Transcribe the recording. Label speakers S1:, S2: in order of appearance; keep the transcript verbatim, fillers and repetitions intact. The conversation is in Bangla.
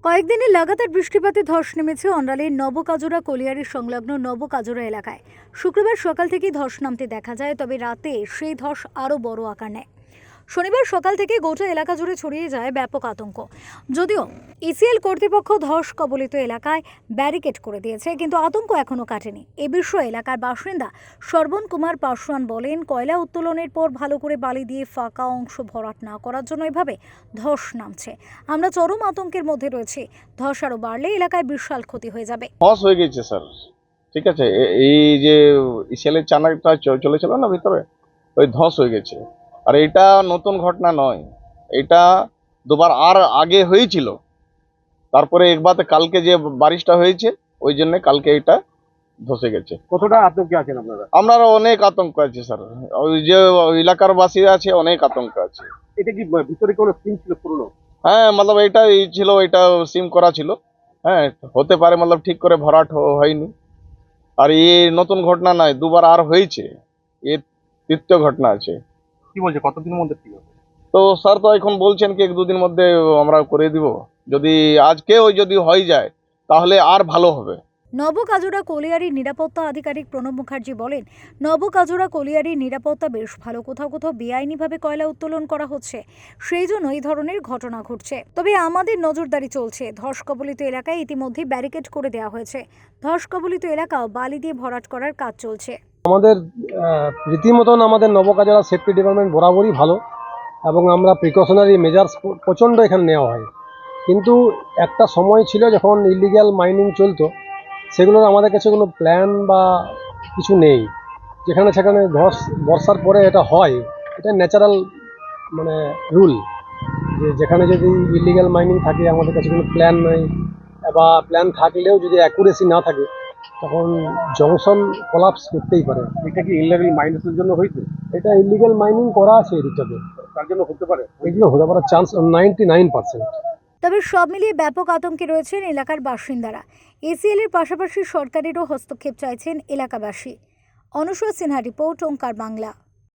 S1: কয়েকদিনের লাগাতার বৃষ্টিপাতে ধস নেমেছে অন্ডালের নবকাজরা কলিয়ারি সংলগ্ন নবকাজরা এলাকায়। শুক্রবার সকাল থেকেই ধস নামতে দেখা যায়, তবে রাতে সেই ধস আরও বড় আকার নেয়। শনিবার সকাল থেকে গোটা এলাকা জুড়ে ছড়িয়ে যায় ব্যাপক আতঙ্ক। যদিও ইসিএল কর্তৃপক্ষ ধস কবলিত এলাকায় ব্যারিকেড করে দিয়েছে, কিন্তু আতঙ্ক এখনও কাটেনি। এ বিষয়ে এলাকার বাসিন্দা সর্বণ কুমার পাসওয়ান বলেন, কয়লা উত্তোলনের পর ভালো করে বালি দিয়ে ফাঁকা অংশ ভরাট না করার জন্য এভাবে ধস নামছে। আমরা চরম আতঙ্কের মধ্যে রয়েছি। ধস আরও বাড়লে এলাকায় বিশাল ক্ষতি হয়ে যাবে।
S2: ধস হয়ে গেছে স্যার, ঠিক আছে। এ- এই যে ইসিএলের চানাটা চ- চলেছিল না ভিতরে, ওই ধস হয়ে গেছে। আর এটা নতুন ঘটনা নয়, এটা দুবার আর আগে হয়েছিল। তারপরে একবার কালকে যে বারিশটা হয়েছে, ওই জন্য কালকে এটা ধসে গেছে।
S3: কতটা আতঙ্কে আছেন আপনারা?
S2: আমরা অনেক আতঙ্ক আছে স্যার, ওই যে এলাকার বাসী আছে, অনেক আতঙ্ক আছে।
S3: এটা কি ভিতরে কোনো সিম ছিল পুরনো?
S2: হ্যাঁ, মতলব এটা এই ছিল, এটা সিম করা ছিল। হ্যাঁ, হতে পারে, মতলব ঠিক করে ভরাট হ- হয়নি। আর এই নতুন ঘটনা নয়, দুবার আর হয়েছে, এ তৃতীয় ঘটনা আছে।
S3: কি বলছে কতদিনের মধ্যে ঠিক হবে?
S2: তো স্যার তো এখন বলছেন কি এক দুদিন মধ্যে আমরা করে দিব। যদি আজকে ওই যদি হয়ে যায় তাহলে আর ভালো হবে।
S1: নবকাজরা কলিয়ারির নিরাপত্তা আধিকারিক প্রণব মুখার্জি বলেন, নবকাজরা কলিয়ারির নিরাপত্তা বেশ ভালো। কোথাও কোথাও বেআইনিভাবে কয়লা উত্তোলন করা হচ্ছে, সেই জন্য এই ধরনের ঘটনা ঘটছে। তবে আমাদের নজরদারি চলছে। ধস কবলিত এলাকায় ইতিমধ্যে ব্যারিকেড করে দেওয়া হয়েছে। ধস কবলিত এলাকাও বালি দিয়ে ভরাট করার কাজ চলছে।
S4: আমাদের আহ, রীতিমতন আমাদের নবকাজরা সেফটি ডিপার্টমেন্ট বরাবরই ভালো, এবং আমরা প্রিকশনারি মেজার্স প্রচণ্ড এখানে নেওয়া হয়। কিন্তু একটা সময় ছিল যখন ইলিগ্যাল মাইনিং চলতো, সেগুলোর আমাদের কাছে কোনো প্ল্যান বা কিছু নেই। যেখানে সেখানে ধস বর্ষার পরে এটা হয়, এটা ন্যাচারাল মানে রুল, যে যেখানে যদি ইলিগ্যাল মাইনিং থাকে আমাদের কাছে কোনো প্ল্যান নেই, বা প্ল্যান থাকলেও যদি অ্যাকুরেসি না থাকে তখন জংশন কোলাপস করতেই পারে।
S3: এটা কি ইনলিগাল মাইনেসের জন্য হয়েছে?
S4: এটা ইলিগাল মাইনিং করা আছে এদিকটাতে,
S3: তার জন্য হতে পারে।
S4: এগুলো হতে পারার চান্স নাইনটি নাইন পার্সেন্ট।
S1: তবে সব মিলিয়ে ব্যাপক আতঙ্কে রয়েছেন এলাকার বাসিন্দারা। এসিএল এর পাশাপাশি সরকারেরও হস্তক্ষেপ চাইছেন এলাকাবাসী। অনুসূয়া সিনহা রিপোর্ট, ওঙ্কার বাংলা।